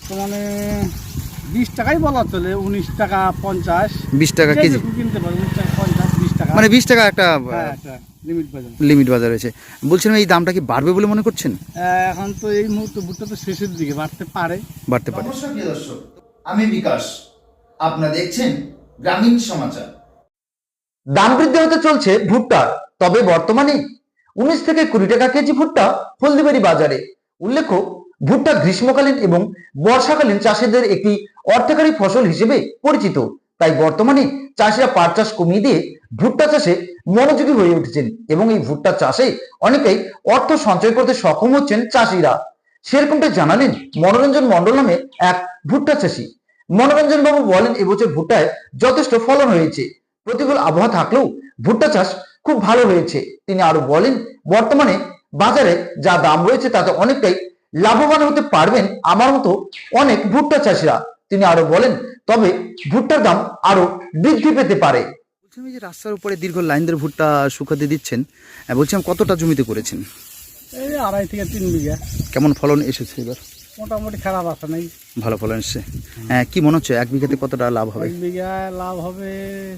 বর্তমানে 20 টাকাই বলা চলে, 19 টাকা 50, 20 টাকা কেজি কিনতে পারে, 19 টাকা 50, 20 টাকা, মানে 20 টাকা একটা একটা লিমিট বাজার। লিমিট বাজার রয়েছে। বলছিলাম এই দামটা কি বাড়বে বলে মনে করছেন? এখন তো এই মুহূর্তে ভুট্টা তো শেষের দিকে, বাড়তে পারে। নমস্কার প্রিয় দর্শক, আমি বিকাশ, আপনারা দেখছেন গ্রামীণ সমাচার। দাম বৃদ্ধি হতে চলছে ভুট্টার, তবে বর্তমানে 19 থেকে 20 টাকা কেজি ভুট্টা হলদিবাড়ি বাজারে। উল্লেখ্য, ভুট্টা গ্রীষ্মকালীন এবং বর্ষাকালীন চাষিদের একটি অর্থকারী ফসল হিসেবে পরিচিত। তাই বর্তমানে চাষিরা পাট চাষ কমিয়ে দিয়ে ভুট্টা চাষে মনোযোগী হয়ে উঠেছেন এবং এই ভুট্টা চাষে অনেকেই অর্থ সঞ্চয় করতে সক্ষম হচ্ছেন চাষিরা। সেরকমটা জানালেন মনোরঞ্জন মণ্ডল নামে এক ভুট্টা চাষি। মনোরঞ্জন বাবু বলেন, এবছর ভুট্টায় যথেষ্ট ফলন হয়েছে, প্রতিকূল আবহাওয়া থাকলেও ভুট্টা চাষ খুব ভালো হয়েছে। তিনি আরো বলেন, বর্তমানে বাজারে যা দাম রয়েছে তাতে অনেকটাই লাভবান হতে পারবেন আমার মতো অনেক ভুট্টা চাষিরা। তিনি আরো বলেন, তবে ভুট্টার দাম আরো বৃদ্ধি পেতে পারে। বলছিলাম এই যে রাস্তার উপরে দীর্ঘ লাইন ধরে ভুট্টা শুকাতে দিচ্ছেন, বলছিলাম কতটা জমিতে করেছেন? এই 2.5 থেকে 3 বিঘা। কেমন ফলন এসেছে এবার? মোটামুটি খারাপ আসে নাই, ভালো ফলন এসেছে। কি মনে হচ্ছে 1 বিঘাতে কতটা লাভ হবে? 1 বিঘায় লাভ হবে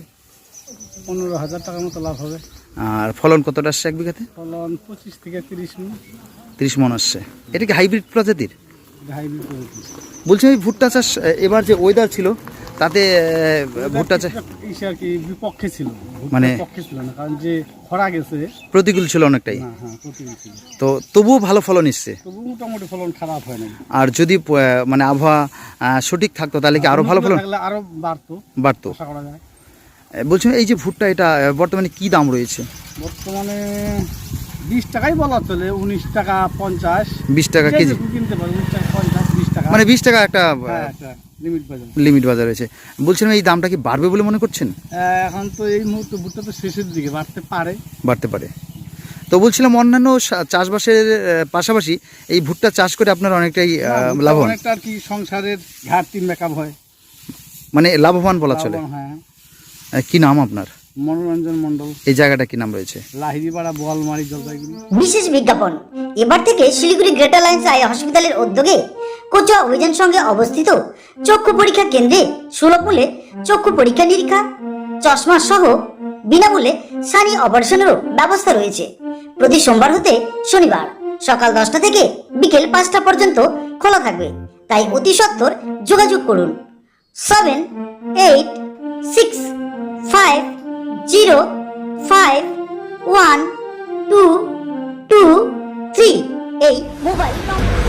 15,000 টাকার মতো লাভ হবে। আর ফলন কতটা আসছে 1 বিঘাতে? ফলন 25 থেকে 30 মণ। 30 মণ আসছে। এটা কি হাইব্রিড প্রজাতির? হাইব্রিড প্রজাতি। বলছি এই ভুট্টা চাষ এবার যে ওয়েদার ছিল তাতে ভুট্টা চাষ আর কি বিপক্ষে ছিল, মানে পক্ষে ছিল না, কারণ যে খরা গেছে প্রতিকূল ছিল অনেকটাই। হ্যাঁ প্রতিকূল ছিল, তো তবুও ভালো ফলন এসছে। তবু মোটামুটি ফলন খারাপ হয় না। আর যদি মানে আবহাওয়া সঠিক থাকতো তাহলে কি আরো ভালো ফলন আরো বাড়তো আশা করা যায়। বলছিলাম এই যে ভুট্টা এটা বর্তমানে কি দাম রয়েছে? বর্তমানে 20 টাকাই বলা চলে, 19 টাকা 50, 20 টাকা কেজি কিনতে পারে, 19 টাকা 50, 20 টাকা, মানে 20 টাকা একটা লিমিট বাজার রয়েছে। বলছিলাম এই দামটা কি বাড়বে বলে মনে করছেন? এখন তো এই মুহূর্তে ভুট্টা তো শেষের দিকে, বাড়তে পারে। তো বলছিলাম অন্যান্য চাষবাসের পাশাপাশি এই ভুট্টা চাষ করে আপনার অনেকটাই লাভবান, অনেকটা আর কি সংসারের ঘাটতি মেকআপ হয়, মানে লাভবান বলা চলে। হ্যাঁ। কি নাম আপনার? মনোরঞ্জন মণ্ডল। এই জায়গাটা কি নাম রয়েছে? লাহিড়িপাড়া, বোয়ালমারি, জলপাইগুড়ি। বিশেষ বিজ্ঞাপন, এবার থেকে শিলিগুড়ি গ্রেটার লাইন্স আই হসপিটালের উদ্যোগে কোচুয়া অভিযান সঙ্গে অবস্থিত চক্ষু পরীক্ষা কেন্দ্রে সুলভ মূল্যে চক্ষু পরীক্ষা নিরীক্ষা, চশমা সহ বিনামূল্যে সানি অপারেশনেরও ব্যবস্থা রয়েছে। প্রতি সোমবার হতে শনিবার সকাল 10টা থেকে বিকেল 5টা পর্যন্ত খোলা থাকবে। তাই অতি সত্বর যোগাযোগ করুন 7865051223 এই মোবাইল নম্বর।